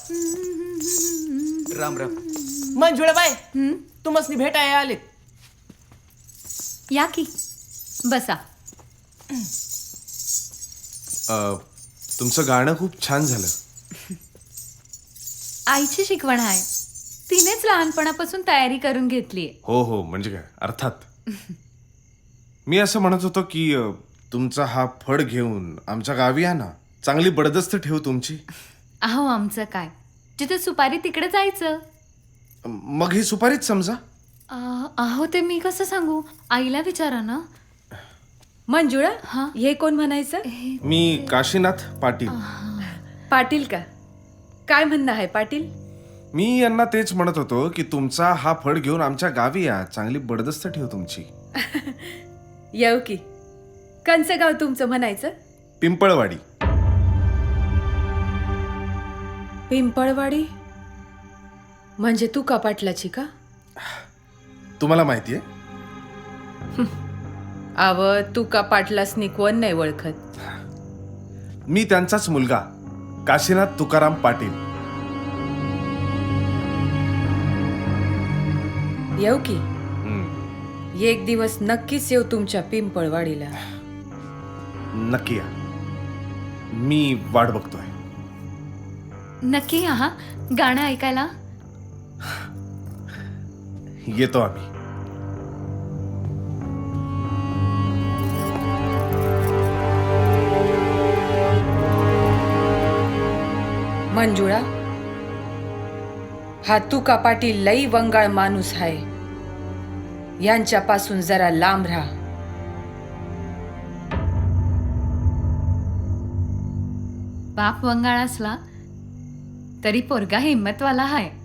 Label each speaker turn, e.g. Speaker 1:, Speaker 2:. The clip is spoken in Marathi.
Speaker 1: राम राम.
Speaker 2: मंजुळाबाई तुम्हाला भेटायला आलेत.
Speaker 3: या की बसा.
Speaker 4: तुमचं गाणं खूप छान झालं.
Speaker 3: आईची शिकवण आहे. तिनेच लहानपणापासून तयारी करून घेतलीये.
Speaker 4: हो हो, म्हणजे काय अर्थात. मी असं म्हणत होतो की तुमचा हा फड घेऊन आमच्या गावी या ना. चांगली बडदस्त ठेवू तुमची.
Speaker 3: अहो आमचं काय, जिथे सुपारी तिकडे जायचं.
Speaker 4: मग ही सुपारीच समजा.
Speaker 3: अहो ते मी कसं सांगू, आईला विचारा ना.
Speaker 5: मंजुळा,
Speaker 3: हा?
Speaker 5: हे कोण म्हणायचं?
Speaker 4: मी काशीनाथ पाटील.
Speaker 5: पाटील का? काय म्हणणं आहे पाटील?
Speaker 4: मी यांना तेच म्हणत होतो की तुमचा हा फड घेऊन आमच्या गावी या. चांगली बडदस्त ठेवू तुमची.
Speaker 5: येऊ की. कंचं गाव तुमचं म्हणायचं?
Speaker 4: पिंपळवाडी.
Speaker 5: पिंपळवाडी म्हणजे तू का पाटलाची का?
Speaker 4: तुम्हाला माहितीये?
Speaker 5: आव तू का पाटलासनी कोण नाही ओळखत.
Speaker 4: मी त्यांचाच मुलगा काशीनाथ तुकाराम पाटील.
Speaker 5: येऊ की. एक दिवस नक्कीच येऊ तुमच्या पिंपळवाडीला.
Speaker 4: नक्की या. मी वाट बघतोय.
Speaker 3: नक्की या हा गाणं ऐकायला.
Speaker 4: येतो आम्ही.
Speaker 5: मंजुळा, हा तुका पाटील लई वंगाळ माणूस आहे. यांच्यापासून जरा लांब राहा.
Speaker 3: बाप वंगाळ असला तरी पोरगा हिम्मतवाला आहे.